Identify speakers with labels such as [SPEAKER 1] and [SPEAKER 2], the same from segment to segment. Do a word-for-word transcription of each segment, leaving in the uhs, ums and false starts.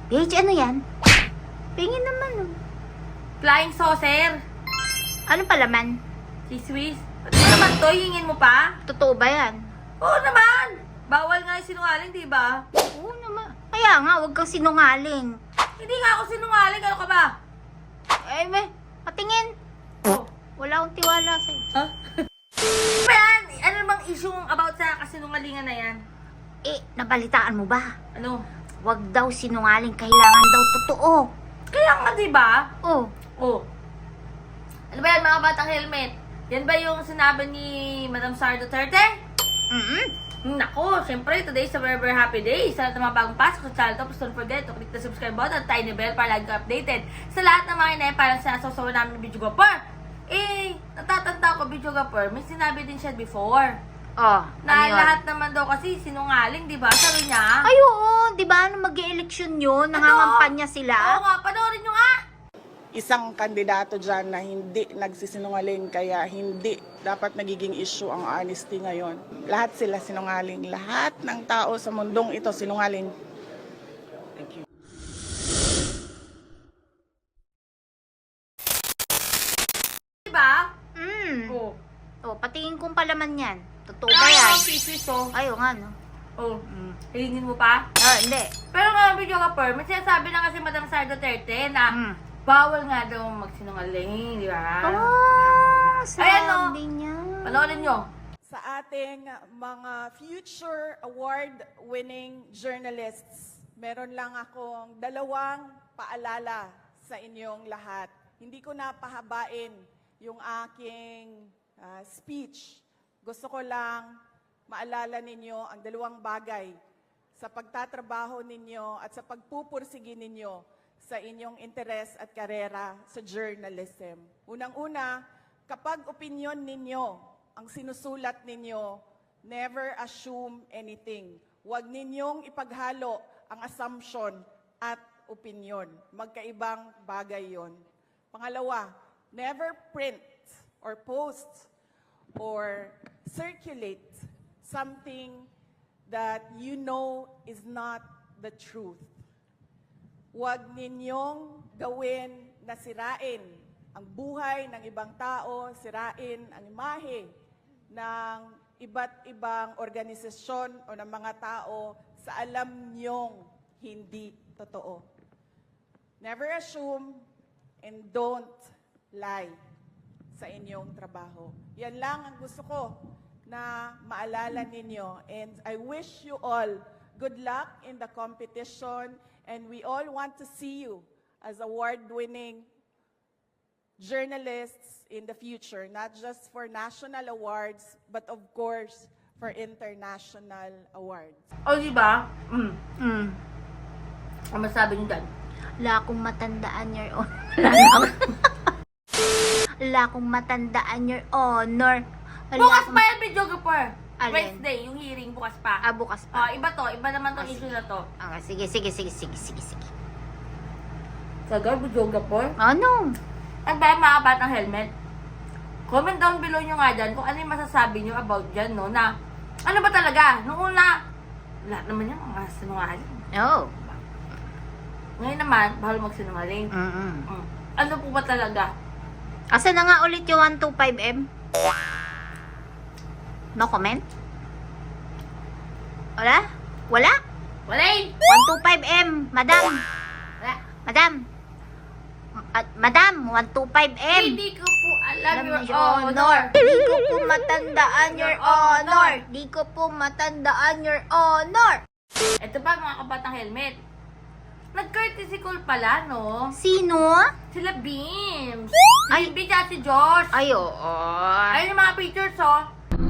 [SPEAKER 1] Paige, ano yan? Pingin naman, oh.
[SPEAKER 2] Flying saucer.
[SPEAKER 1] Ano palaman?
[SPEAKER 2] Si Swiss. Ano naman to? Hingin mo pa?
[SPEAKER 1] Totoo ba yan?
[SPEAKER 2] Oo naman. Bawal nga yung sinungaling, di ba?
[SPEAKER 1] Oo naman. Kaya nga, huwag kang sinungaling.
[SPEAKER 2] Hindi nga ako sinungaling. Ano ka ba?
[SPEAKER 1] Eh, be, patingin.
[SPEAKER 2] Oh.
[SPEAKER 1] Wala akong tiwala sa'yo.
[SPEAKER 2] Huh? Ano yan? Ano namang issue about sa kasinungalingan na yan?
[SPEAKER 1] Eh, nabalitaan mo ba?
[SPEAKER 2] Ano?
[SPEAKER 1] Huwag daw sinungaling, kailangan daw totoo.
[SPEAKER 2] Kaya nga, di ba?
[SPEAKER 1] Oh,
[SPEAKER 2] Oh. Ano ba yan, mga batang helmet? Yan ba yung sinabi ni Madam Sara Duterte?
[SPEAKER 1] mm
[SPEAKER 2] Nako, syempre, today is a very, very happy day. Sa lahat ng mga bagong pasok sa channel to, please don't forget to click the subscribe button at tiny bell para lagi ka updated. Sa lahat ng mga inay, parang sinasasawa namin ng video gapper. Eh, natatanda ko, video gapper, may sinabi din siya before.
[SPEAKER 1] oh,
[SPEAKER 2] Na
[SPEAKER 1] ano yun?
[SPEAKER 2] lahat naman daw kasi sinungaling, di ba? Sabi niya.
[SPEAKER 1] Ay, oo, di ba? Nung mag-e-election yun, nangangampanya sila.
[SPEAKER 2] Oo nga, panoorin nyo nga.
[SPEAKER 3] Isang kandidato dyan na hindi nagsisinungaling, kaya hindi dapat nagiging issue ang honesty ngayon. Lahat sila sinungaling. Lahat ng tao sa mundong ito sinungaling. Thank you.
[SPEAKER 2] Di ba?
[SPEAKER 1] Mm.
[SPEAKER 2] Oo.
[SPEAKER 1] Oh, patingin kong palaman yan. Totoo ba yan?
[SPEAKER 2] Ay, sweet, oh.
[SPEAKER 1] Ay, oo nga, no?
[SPEAKER 2] Oh,
[SPEAKER 1] Mm.
[SPEAKER 2] hilingin mo pa?
[SPEAKER 1] Ah, hindi.
[SPEAKER 2] Pero nga, video gapper, may sinasabi na kasi Madam Sara Duterte na
[SPEAKER 1] Mm.
[SPEAKER 2] bawal nga daw magsinungaling, di ba?
[SPEAKER 1] Oh,
[SPEAKER 2] Ayan, no?
[SPEAKER 1] sabi niya.
[SPEAKER 2] Panoorin nyo.
[SPEAKER 3] Sa ating mga future award-winning journalists, meron lang akong dalawang paalala sa inyong lahat. Hindi ko na pahabain yung aking ah, speech. Gusto ko lang maalala ninyo ang dalawang bagay sa pagtatrabaho ninyo at sa pagpupursige ninyo sa inyong interes at karera sa journalism. Unang-una, kapag opinion ninyo ang sinusulat ninyo, never assume anything. Huwag ninyong ipaghalo ang assumption at opinion. Magkaibang bagay yon. Pangalawa, never print or post or circulate something that you know is not the truth. Huwag ninyong gawin na sirain ang buhay ng ibang tao, sirain ang imahe ng iba't ibang organisasyon o ng mga tao sa alam niyong hindi totoo. Never assume and don't lie sa inyong trabaho. Yan lang ang gusto ko na maalala ninyo. And I wish you all good luck in the competition, and we all want to see you as award-winning journalists in the future, not just for national awards, but of course, for international awards.
[SPEAKER 2] O, di ba? Mm.
[SPEAKER 1] Mm.
[SPEAKER 2] Ano masabi nyo dyan?
[SPEAKER 1] Wala akong matandaan, Your Honor. Wala na ako. Wala akong matandaan, Your Honor. Wala
[SPEAKER 2] Bukas
[SPEAKER 1] akong-
[SPEAKER 2] pa yan, video gapper.
[SPEAKER 1] Alin?
[SPEAKER 2] Wednesday, yung hearing, bukas pa.
[SPEAKER 1] Ah, bukas
[SPEAKER 2] Oh,
[SPEAKER 1] pa.
[SPEAKER 2] iba to. Iba naman tong
[SPEAKER 1] Ah,
[SPEAKER 2] issue
[SPEAKER 1] sige.
[SPEAKER 2] na to.
[SPEAKER 1] Ah, sige, sige, sige, sige, sige, sige.
[SPEAKER 2] Sagar, video gapper?
[SPEAKER 1] Ano?
[SPEAKER 2] Ang dahil mga batang helmet. Comment down below nyo nga dyan kung ano yung masasabi nyo about dyan, no? Na, ano ba talaga? Noong una, lahat naman yung mga sinungaling.
[SPEAKER 1] Oh.
[SPEAKER 2] Ngayon naman, bahal magsinungaling.
[SPEAKER 1] Mm-mm.
[SPEAKER 2] Mm. Ano po ba talaga?
[SPEAKER 1] Asa na nga ulit yung one twenty-five M? No comment? Wala? Wala?
[SPEAKER 2] Wala eh!
[SPEAKER 1] one twenty-five M, madam.
[SPEAKER 2] Wala.
[SPEAKER 1] Madam. At madam, one twenty-five M.
[SPEAKER 2] Hindi ko po alam,
[SPEAKER 1] Alam
[SPEAKER 2] your
[SPEAKER 1] na, Your
[SPEAKER 2] honor.
[SPEAKER 1] Di ko po matandaan, Your
[SPEAKER 2] Your Honor.
[SPEAKER 1] Honor. Di ko po matandaan, Your Honor.
[SPEAKER 2] Ito pa mga kabatang helmet. Nag-courtesy call pala, no?
[SPEAKER 1] Sino?
[SPEAKER 2] Sila Beams.
[SPEAKER 1] Ay.
[SPEAKER 2] Ay, Beams at si Josh.
[SPEAKER 1] Ay, oo.
[SPEAKER 2] Ayun yung mga pictures, oh.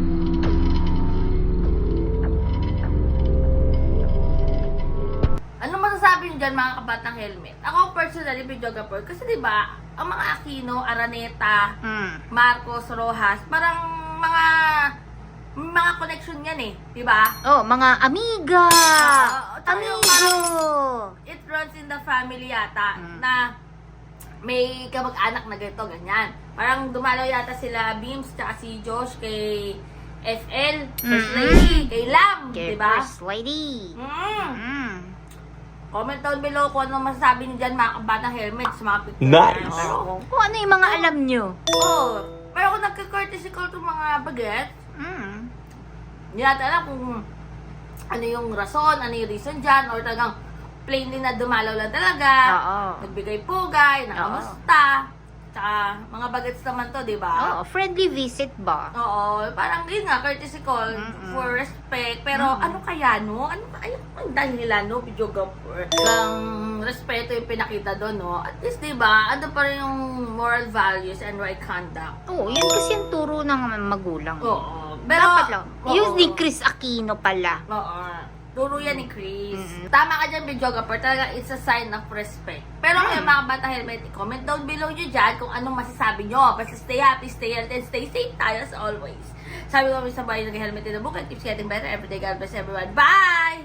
[SPEAKER 2] Ano masasabi niyo dyan, mga kabatang helmet? Ako personally, videographer, kasi di ba ang mga Aquino, Araneta,
[SPEAKER 1] Mm.
[SPEAKER 2] Marcos, Rojas, parang mga mga connection yan eh, di ba?
[SPEAKER 1] Oh, mga amiga.
[SPEAKER 2] Oo, tsaka yung
[SPEAKER 1] Amigo.
[SPEAKER 2] It runs in the family yata
[SPEAKER 1] Mm.
[SPEAKER 2] na may kamag-anak na ganito, ganyan. Parang dumalaw yata sila Beams tsaka si Josh kay F L, First
[SPEAKER 1] Mm-mm.
[SPEAKER 2] Lady, kay Lam,
[SPEAKER 1] Okay,
[SPEAKER 2] di ba?
[SPEAKER 1] First lady.
[SPEAKER 2] Mm.
[SPEAKER 1] Mm.
[SPEAKER 2] Comment down below kung ano masasabi niyo dyan mga kabatang helmet sa mga picture.
[SPEAKER 4] Nice!
[SPEAKER 2] Pero,
[SPEAKER 1] Kung ano yung mga alam nyo.
[SPEAKER 2] oh, pero kung nagka-courtesy call itong mga bagets,
[SPEAKER 1] Mm.
[SPEAKER 2] hindi natin alam kung ano yung rason, ano yung reason dyan, or talagang plainly na dumalaw lang talaga.
[SPEAKER 1] Oo.
[SPEAKER 2] Nagbigay pugay, nakamusta. Tsaka, mga bagets naman to, di ba?
[SPEAKER 1] Oo, friendly visit ba?
[SPEAKER 2] Oo, parang yun nga, courtesy call
[SPEAKER 1] Mm-mm.
[SPEAKER 2] for respect. Pero ano kaya, no? Ano kaya ang dahilan, no? Videographer. Ang respeto yung pinakita doon, no? At least, di ba, ano pa rin yung moral values and right conduct.
[SPEAKER 1] Oo, yun kasi yung turo ng magulang.
[SPEAKER 2] Oo. Pero,
[SPEAKER 1] Dapat lang.
[SPEAKER 2] oo.
[SPEAKER 1] Yung ni Chris Aquino pala.
[SPEAKER 2] Oo. Turo yan ni Chris.
[SPEAKER 1] Mm-mm.
[SPEAKER 2] Tama ka dyan, videographer. Talaga, it's a sign of respect. Pero kayo mga bata helmet, comment down below nyo dyan kung anong masasabi nyo. Basta stay happy, stay healthy, and stay safe tayo as always. Sabi ko kami sa bahay ng helmet in the book and keeps getting better every day. God bless everyone. Bye!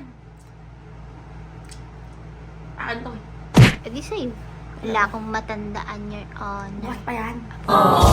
[SPEAKER 2] Akin to.
[SPEAKER 1] E di sa'yo. Wala akong matandaan your honor.
[SPEAKER 2] Bukas pa yan.